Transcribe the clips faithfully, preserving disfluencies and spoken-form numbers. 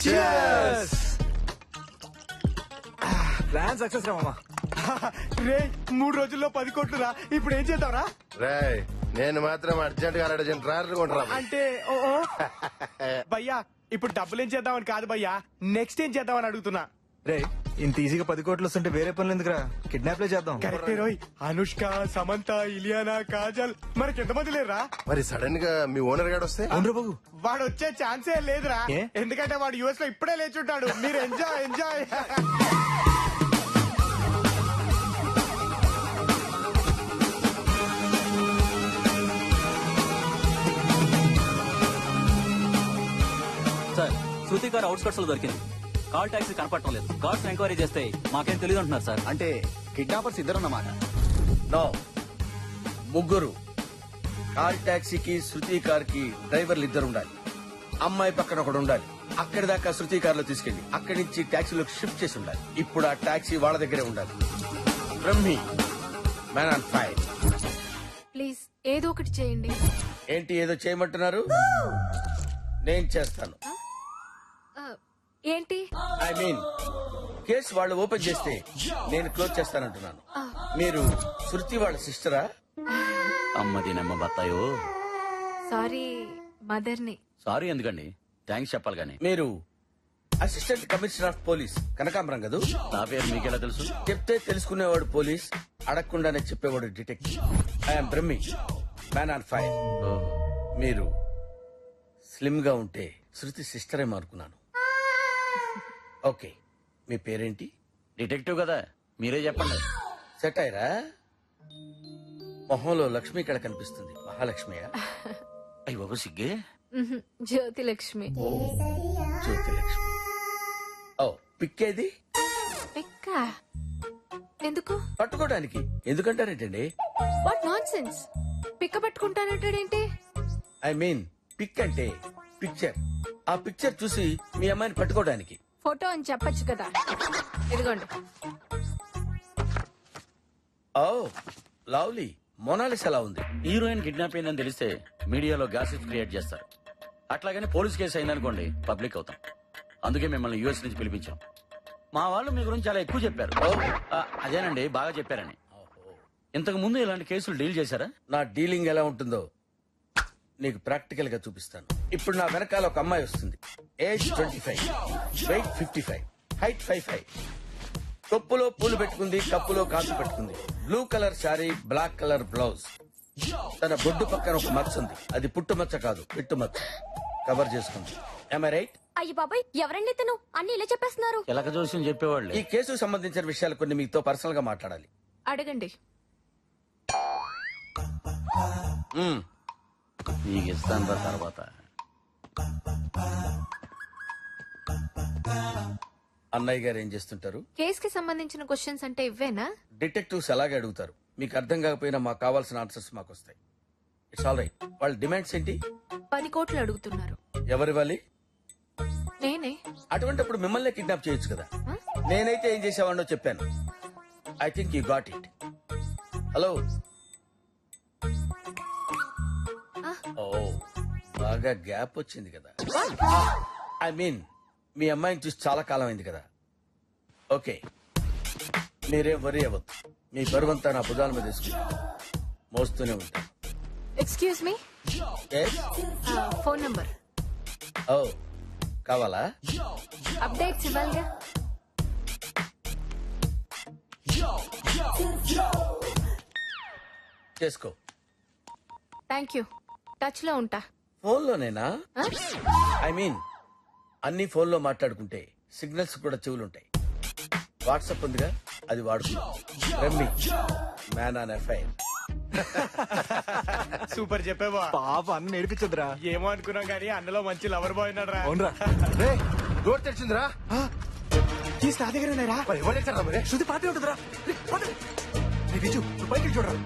Plan success రా మామా. రే మూడు రోజుల్లో పది కోట్లు రా. ఇప్పుడు ఏం చేద్దాంరా? రేయ్ నేను మాత్రం అర్జెంట్ గా అర్జెంట్ ట్రాక్టర్ కొంటరా. అంటే ఓ ఓ. భయ్యా ఇప్పుడు డబ్బులు ఏం చేద్దామని కాదు భయ్యా, నెక్స్ట్ ఏం చేద్దామని అడుగుతున్నా. రే ఇంత ఈజీగా పది కోట్లు వస్తుంటే వేరే పనులు ఎందుకురా, కిడ్నాప్ లే చేద్దాం. కరెక్టే రోయ్. అనుష్క, సమంత, ఇలియానా, కాజల్ మనకి ఎంతమంది లేరా? మరి సడన్ గా మీ ఓనర్ గాడు వస్తే అవును బాబు. వాడు వచ్చే ఛాన్సే లేదురా. ఏ? ఎందుకంటే వాడు యుఎస్ లో ఇప్పుడే లేచుంటాడు. మీరు ఎంజాయ్ ఎంజాయ్. సార్ శృతి గారు అవుట్స్కట్స్ లో దొరికింది. కాల్ టాక్సీ కనపడటం లేదు. కార్స్ ఎంక్వైరీ చేస్తే మాకేం తెలియదు అంటున్నారు సార్. అంటే కిడ్నాపర్స్ ఇద్దరన్నమాట. నో, ముగ్గురు. కార్ టాక్సీకి శృతి కార్ కి డ్రైవర్లు ఇద్దరు ఉండాలి. అమ్మాయి పక్కన ఒకడు ఉండాలి. అక్కడి దాకా శృతి కార్ లో తీసుకెళ్లి అక్కడి నుంచి టాక్సీలోకి షిఫ్ట్ చేసి ఉండాలి. ఇప్పుడు ఆ టాక్సీ వాళ్ళ దగ్గరే ఉండాలి. Brahmi, man on fire. Please ఏదో ఒకటి చేయండి. ఏంటి ఏదో చేయమంటున్నారు? నేను చేస్తాను. ఆ, ఏంటి? ఐ మీన్ కేసు వాళ్ళు ఓపెన్ చేస్తే నేను క్లోజ్ చేస్తానంటున్నాను. మీరు శృతి వాళ్ళ సిస్టరా? అమ్మది నమ్మ బత్తాయో. సారీ మదర్ని. సారీ ఎందుకండి, థ్యాంక్స్ చెప్పాలి కానీ. మీరు అసిస్టెంట్ కమిషనర్ ఆఫ్ పోలీస్ కనకాంబరం కదా? నా పేరు మీకెలా తెలుసు? చెప్తే తెలుసుకునేవాడు పోలీస్, అడగకుండానే చెప్పేవాడు detective. I'm Brahmi, man on fire. మీరు స్లిమ్ గా ఉంటే శృతి సిస్టరే అనుకున్నాను. ఓకే, మీ పేరేంటి? డిటెక్టివ్ కదా, మీరే చెప్పండి. సెట్ అయ్యరా? మొహంలో లక్ష్మి ఇక్కడ కనిపిస్తుంది. మహాలక్ష్మియా? అయ్యి బాబు సిగ్గే. మ్హూ, జ్యోతి లక్ష్మి. జ్యోతి లక్ష్మి. ఓ, పిక్కేది? పిక్క ఎందుకు? పట్టుకోవడానికి. ఎందుకంటారేంటండి? What nonsense. పిక్క పట్టుకుంటానంటాడేంటి? ఐ మీన్ పిక్ అంటే పిక్చర్. ఆ పిక్చర్ చూసి మీ అమ్మాయిని పట్టుకోవడానికి. ఫోటో అని చెప్పొచ్చు కదా. ఇదిగోండి. Oh lovely. మొనాలిస్ ఎలా ఉంది? హీరోయిన్ కిడ్నాప్ అయిందని తెలిస్తే మీడియాలో గ్యాసెస్ క్రియేట్ చేస్తారు. అట్లాగని పోలీస్ కేసు అయిందనుకోండి పబ్లిక్ అవుతాం. అందుకే మిమ్మల్ని యూఎస్ నుంచి పిలిపించాం. మా వాళ్ళు మీ గురించి చాలా ఎక్కువ చెప్పారు. ఆ, అదేనండి బాగా చెప్పారని. ఇంతకు ముందు ఇలాంటి కేసులు డీల్ చేశారా? నా డీలింగ్ ఎలా ఉంటుందో నీకు ప్రాక్టికల్ గా చూపిస్తాను. ఇప్పుడు నా వెనకాల ఒక అమ్మాయి వస్తుంది. Age twenty five, weight fifty five, height five five. కొప్పులో పూలు పెట్టుకుంది, కప్పులో కాసు పెట్టుకుంది. Blue colour sari, black colour blouse. తన బొడ్డు పక్కన ఒక మచ్చ ఉంది. అది పుట్టు మచ్చ కాదు, పిట్టు మచ్చ. కవర్ చేసుకుంది. Am I right? అయ్యి బాబాయ్, ఎవరండి తను? అన్ని ఇలా చెప్పేస్తున్నారు. ఎలక జోస్యం చెప్పేవాళ్ళు. ఈ కేసుకు సంబంధించిన విషయాలు కొన్ని మీతో పర్సనల్ గా మాట్లాడాలి. అడగండి. మ్మ్. నీకు ఇస్తాను రా తర్వాత. అన్నయ్య గారు ఏం చేస్తుంటారు? కేస్ కి సంబంధించిన క్వశ్చన్స్ అంటే ఇవ్వేనా? డిటెక్టివ్స్ అలాగే అడుగుతారు. మీకు అర్థం కాకపోయినా మాకు కావాల్సిన ఆన్సర్స్ మాకు వస్తాయి. It's all right. వాళ్ళ డిమాండ్స్ ఏంటి? పది కోట్లు అడుగుతున్నారు. ఎవరివ్వాలి? నేనే. అటువంటిప్పుడు మిమ్మల్ని కిడ్నాప్ చేయొచ్చు కదా. Huh? నేనైతే ఏం చేసేవాడినో చెప్పాను. I think you got it. Hello. ఓ బాగా గ్యాప్ వచ్చింది కదా. ఐ మీన్ మీ అమ్మాయిని చూసి చాలా కాలం అయింది కదా. ఓకే, మీరేం వరీ అవ్వద్దు. మీ బరువంతా నా భుజాల మీద తీసుకుంటా మోస్తూనే ఉంటాను. Excuse me. Phone number. ఓ కావాలా? అప్డేట్స్ ఇవ్వాలిగా. చేసుకో. Thank you. టచ్ లో ఉంటా. ఫోన్లోనేనా? Huh? ఐ మీన్ అన్ని ఫోన్లో మాట్లాడుకుంటే సిగ్నల్స్ కూడా చెవులుంటాయి. వాట్సాప్ ఉందిగా, అది వాడుకుందాం. రమ్మి, మ్యాన్ ఆన్ ఎఫ్ఐఆర్. సూపర్ చెప్పేవా. పాప అన్న నేర్పించదురా. ఏమో అనుకున్నాం కానీ అన్నలో మంచి లవర్ బాయ్ ఉన్నాడు రా. అవునరా. రే డోర్ తెరిచిందిరా. కీస్ నా దగ్గర ఉన్నారా? మరి ఎవరు తెచ్చారా మరి? శృతి పాటే ఉంటుందిరా. రే, పాటే. రే, బిజు, నువ్వు పైకి వెళ్ళి చూడరా.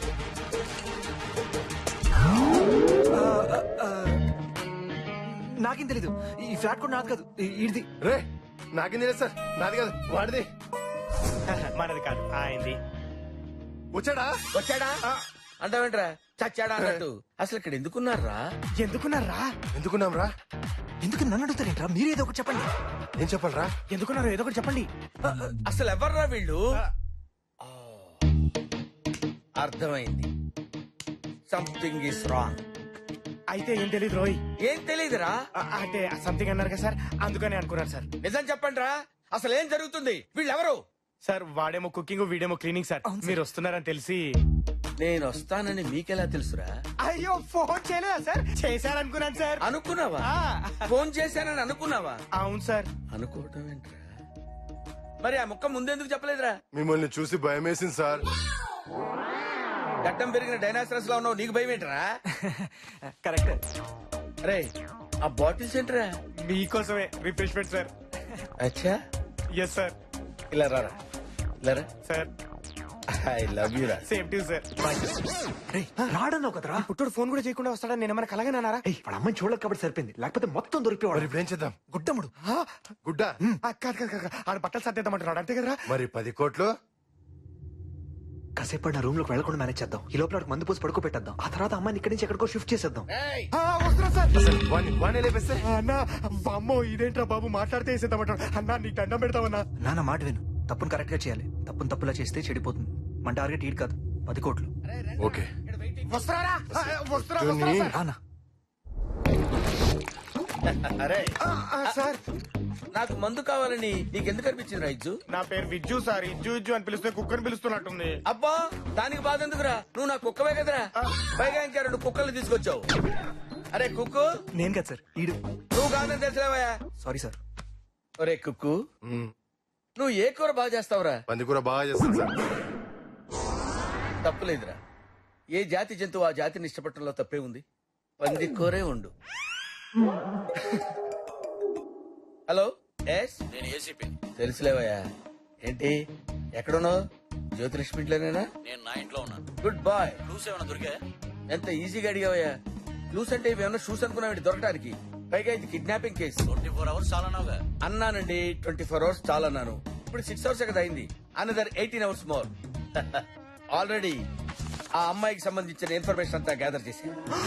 ఆ, ఆ, ఆ, నాకేం తెలీదు. ఈ ఫ్లాట్ కూడా నాది కాదు, ఇది. రే నాకేం తెలియదు సార్, నాది కాదు వాడిది. మనది కాదు, ఆయనది. వచ్చాడా? వచ్చాడా అంటావేంట్రా? చచ్చాడా అన్నట్టు. అసలు ఇక్కడ ఎందుకున్నారా? ఎందుకున్నారా? ఎందుకున్నాం రా? ఎందుకు నన్ను అడుగుతారేంట్రా మీరు ఏదో ఒకటి చెప్పండి. ఏం చెప్పాలరా? ఎందుకున్నారు ఏదో ఒకటి చెప్పండి. అసలు ఎవర్రా వీళ్ళు? ఆ, అర్థమైంది. Something is wrong. అయితే ఏం తెలియదు రోయ్. ఏం తెలీదురా? ఆ, అంటే సంథింగ్ అన్నారు కదా సార్, అందుకని అనుకున్నారు సార్. నిజం చెప్పండి రా, అసలు ఏం జరుగుతుంది? వీళ్ళెవరు? సార్ వాడేమో కుకింగ్ వీడేమో క్లీనింగ్ సార్. మీరు వస్తున్నారని తెలిసి. నేను వస్తానని మీకెలా తెలుసురా? అయ్యో ఫోన్ చేయలేదా సార్? చేశారనుకున్నాను సార్. అనుకున్నావా? ఆ, ఫోన్ చేశానని అనుకున్నావా? అవును సార్. అనుకోవటం ఏంట్రా? మరి ఆ ముక్క ముందెందుకు చెప్పలేదురా? మిమ్మల్ని చూసి భయం వేసింది సార్. గడ్డం పెరిగిన డైనాసరస్ లో ఉన్నావు, నీకు భయం ఏంట్రా? కరెక్ట్. రే ఆ బాటిల్స్ ఏంట్రా? మీకోసమే రిఫ్రెష్మెంట్ సార్. అచ్చా, ఎస్ సార్. ఇలా రారా, ఇలా రా. సార్ ఐ లవ్ యూ రా. Same to sir. రే రాడన్నావు కదరా. పుట్టుడు ఫోన్ కూడా చేయకుండా వస్తాడని నేను మనకు అలాగే అన్నారా? ఏయ్ వాళ్ళ అమ్మాయిని చూడలేదు కాబట్టి సరిపోయింది, లేకపోతే మొత్తం మరి దొరికిపోవాడు. ఇప్పుడు ఏం చేద్దాం? గుడ్డముడు. గుడ్డ ఆ, కాదు కాదు కాదు ఆడ బట్టలు సర్దేద్దామంటున్నాడు అంతే కదరా? మరి పది కోట్లు కాసేపు నా రూమ్ లోకి వెళ్ళకుండా మేనేజ్ చేద్దాం. ఈ లోపల వాడికి మందు పోసి పడుకో పెట్టేద్దాం. ఆ తర్వాత అమ్మాయిని ఇక్కడి నుంచి ఎక్కడికో షిఫ్ట్ చేసేద్దాం. ఏయ్, ఆ, వస్తున్నా సార్. వాణ్ణి వాణ్ణి లేపేస్తే అన్న అమ్మో ఇదేంట్రా బాబు మాట్లాడితే వేసేద్దామంటాడు. అన్న నీకు దండం పెడతామన్నా. నాన్న మాట విను, తప్పును కరెక్ట్ గా చేయాలి. తప్పును తప్పులా చేస్తే చెడిపోతుంది. మన టార్గెట్ ఈడు కాదు, పది కోట్లు. ఓకే. వస్తున్నారా? ఆ, వస్తున్నా జూని. వస్తున్నా సార్. రానా అరే ఆ, ఆ, సార్ నాకు మందు కావాలని నీకెందుకు అనిపించింది రా ఇజ్జు? నా పేరు విజ్జు సార్. ఇజ్జు ఇజ్జు అని పిలిస్తే కుక్కని పిలుస్తున్నట్టుంది. అబ్బా దానికి బాధ ఎందుకురా? నువ్వు నా కుక్కవే కదరా. పైగా ఇంకా రెండు కుక్కలు తీసుకొచ్చావు. అరే కుక్కు, నేను కాదు సార్, ఈడు. నువ్వు కాదని తెలిసిలేవయ్యా. Sorry sir. ఒరే కుక్కు, మ్మ్. నువ్వు ఏ కూర బాగా చేస్తావురా? పందికూర బాగా చేస్తాను సార్. తప్పులేదురా. ఏ జాతి జంతువు ఆ జాతిని ఇష్టపడటంలో తప్పే ఉంది. పంది కూరే ఉండు. హలో, ఎస్ నేను ఏసీపీ. తెలుసులేవయ్యా. ఏంటి ఎక్కడున్నావు? జ్యోతిలక్ష్మి ఇంట్లోనేనా? నేను నా ఇంట్లో ఉన్నాను. Good bye. క్లూస్ ఏమైనా దొరికా? ఎంత ఈజీగా అడిగావయ్యా. క్లూస్ అంటే ఇవేమన్నా షూస్ అనుకున్నావు దొరకడానికి? పైగా ఇది kidnapping case. Twenty four hours చాలా నావుగా. అన్నానండి, ట్వంటీ ఫోర్ అవర్స్ చాలా అన్నాను. ఇప్పుడు సిక్స్ అవర్స్ కదా అయింది. Another eighteen hours more. Already ఆ అమ్మాయికి సంబంధించిన ఇన్ఫర్మేషన్ అంతా గ్యాదర్ చేసి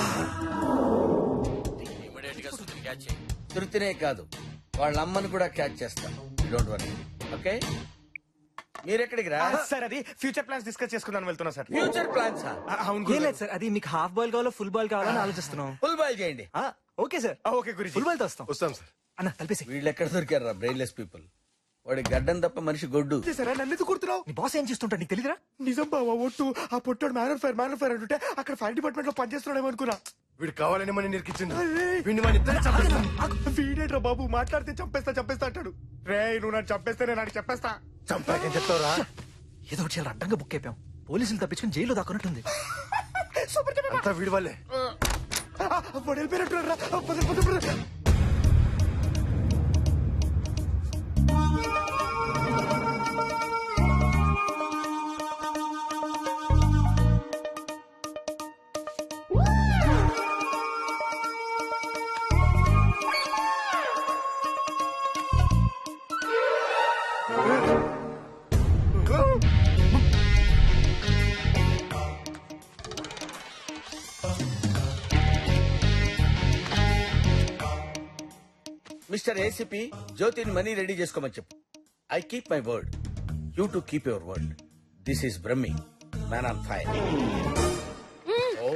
ఇమీడియట్ గా సుతిని క్యాచ్ చేయి. తృప్తినే కాదు, వాళ్ళ అమ్మని కూడా క్యాచ్ చేస్తాం. Don't worry. ఓకే, మీరెక్కడికి రా? ఆ, సార్ అది ఫ్యూచర్ ప్లాన్స్ డిస్కస్ చేసుకుందాం వెళ్తున్నా సార్. Future plans. ఆ, అవును ఏం గురుగారు. లేదు సార్, అది మీకు హాఫ్ బాల్ కావాలో ఫుల్ బాల్ కావాలని ఆలోచిస్తున్నాం. ఫుల్ బాయ్ చేయండి. ఆ, ఓకే సార్, ఆ, ఓకే గురించి. ఫుల్ బాల్ తో వస్తాం. వస్తాం సార్. అన్న కలిపేసి. వీళ్ళు ఎక్కడ దొరికారా బ్రెయిన్లెస్ పీపుల్? వాడి గడ్డం తప్ప మనిషి గొడ్డు. సరే నన్ను ఎందుకు కుడుతున్నావు? నీ బాస్ ఏం చేస్తుంటాడు నీకు తెలియదురా? నిజం బావా ఒట్టు. ఆ పొట్టాడు మ్యాన్ ఫైర్ మ్యాన్ ఫైర్ అంటుంటే అక్కడ ఫైర్ డిపార్ట్మెంట్ లో పనిచేస్తున్నాడేమో అనుకున్నా. వీడు కావాలని మన నిరికిచ్చిండు. అరే. వీడిని మన ఇద్దరు చంపేస్తాం. వీడేట్రా బాబు మాట్లాడితే చంపేస్తా చంపేస్తా అంటాడు. రే నువ్వు నన్ను చంపేస్తే నేను నాకు చెప్పేస్తా. చంపాకేం చెప్తావురా? ఏదో ఒకటి చాలా అడ్డంగా బుక్ అయిపోయాం. పోలీసులు తప్పించుకుని జైల్లో దాక్కున్నట్టుంది. సూపర్ చెప్పేస్తా. అంతా వీడి వాళ్ళే. ఆ, వాడు వెళ్ళిపోయినట్టున్నాడు రా. ఆ, పద, పద, పద. మిస్టర్ ఏసీపీ, జ్యోతిని మనీ రెడీ చేసుకోమని చెప్పు. I keep my word, you to keep your word. This is Brahmi, man on fire. Oh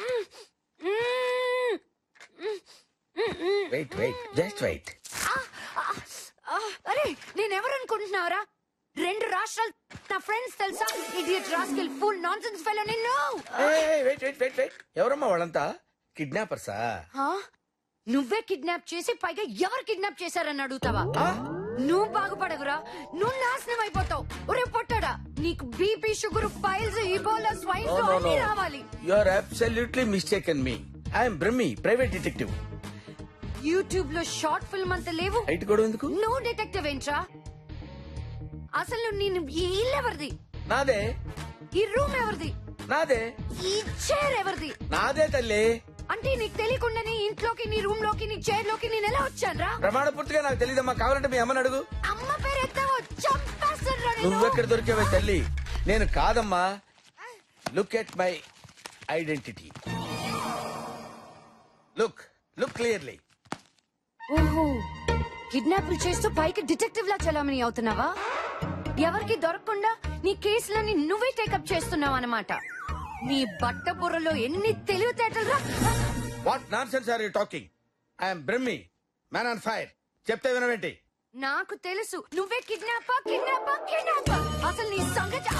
wait wait just wait. ఆ, అరే నేనెవరు అనుకుంటున్నావరా? రెండు రాష్ట్రాలు నా ఫ్రెండ్స్ తెలుసా? Idiot rascal full nonsense fellow నిన్ను. వెయిట్ వెయిట్ వెయిట్ వెయిట్ ఎవరమ్మా వాళ్ళంతా? కిడ్నాపర్సా? ఆ? నువ్వే కిడ్నాప్ చేసి పైగా ఎవరు కిడ్నాప్ చేశారని అడుగుతావా? నువ్వు బాగుపడవురా, నువ్వు నాశనం అయిపోతావు. ఒరే పొట్టాడా, నీకు BP sugar piles Ebola swine flu అన్ని రావాలి. You are absolutely mistaken me. I'm Brahmi, private detective. YouTube లో షార్ట్ ఫిల్మ్ అంత లేవు. హైట్ కూడా ఎందుకు? నువ్వు డిటెక్టివ్ ఏంట్రా? అసలు నేను ఈ ఇల్లు ఎవరిది? నాదే. ఈ రూమ్ ఎవరిది? నాదే. ఈ చైర్ ఎవరిది? నాదే తల్లి. అంటే నీకు తెలియకుండా నీ ఇంట్లోకి నీ రూమ్ లోకి నీ చైర్ లోకి నేను ఎలా వచ్చాను రా? ప్రమాణ పూర్తిగా నాకు తెలియదమ్మా. కావాలంటే మీ అమ్మని అడుగు. అమ్మ పేరు ఎత్తావో చంపేస్తాను. నువ్వెక్కడ దొరికావే తల్లి? నేను కాదమ్మా. Look at my identity. Look look clearly. ఓహో కిడ్నాపులు చేస్తూ పైకి డిటెక్టివ్ లా చలామణి అవుతున్నావా? ఎవరికి దొరకకుండా నీ కేసులని నువ్వే టేకప్ చేస్తున్నావు అన్నమాట. నీ బట్ట బుర్రలో ఎన్ని తెలివితేటలు రా. What nonsense are you talking? I'm Brahmi, man on fire. చెప్తే వినవేంటి? నాకు తెలుసు నువ్వే కిడ్నాపా కిడ్నాపా కిడ్నాపా. అసలు నీ సంగతి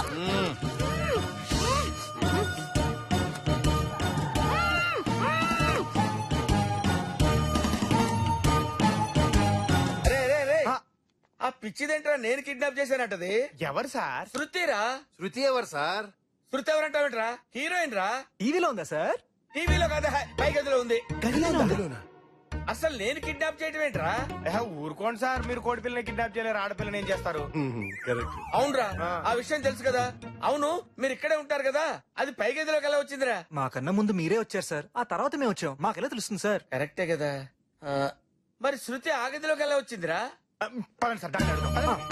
రే రే రే ఆ పిచ్చిదేంట్రా నేను కిడ్నాప్ చేశానంటది? ఎవరు సార్? శృతిరా. శృతి ఎవరు సార్? శృతి ఎవరంటావేంట్రా? హీరోయిన్ రా. టీవీలో ఉందా సార్? టీవీలో కాదా, పై గదిలో ఉంది. గదిలోనా? అసలు నేను కిడ్నాప్ చేయటం ఏంట్రా? ఏహ, ఊరుకోండి సార్, మీరు కోడి పిల్లని కిడ్నాప్ చేయలేరు, ఆడపిల్లని ఏం చేస్తారు? కరెక్ట్. అవునరా, ఆ. ఆ విషయం తెలుసు కదా. అవును, మీరు ఇక్కడే ఉంటారు కదా, అది పై గదిలోకి ఎలా వచ్చిందిరా? మాకన్నా ముందు మీరే వచ్చారు సార్, ఆ తర్వాత మేము వచ్చాం. మాకెలా తెలుస్తుంది సార్? కరెక్టే కదా. ఆ, మరి శృతి ఆ గదిలోకి ఎలా వచ్చిందిరా? పదండి సార్, డాక్టర్ అడుగుదాం. పదండి.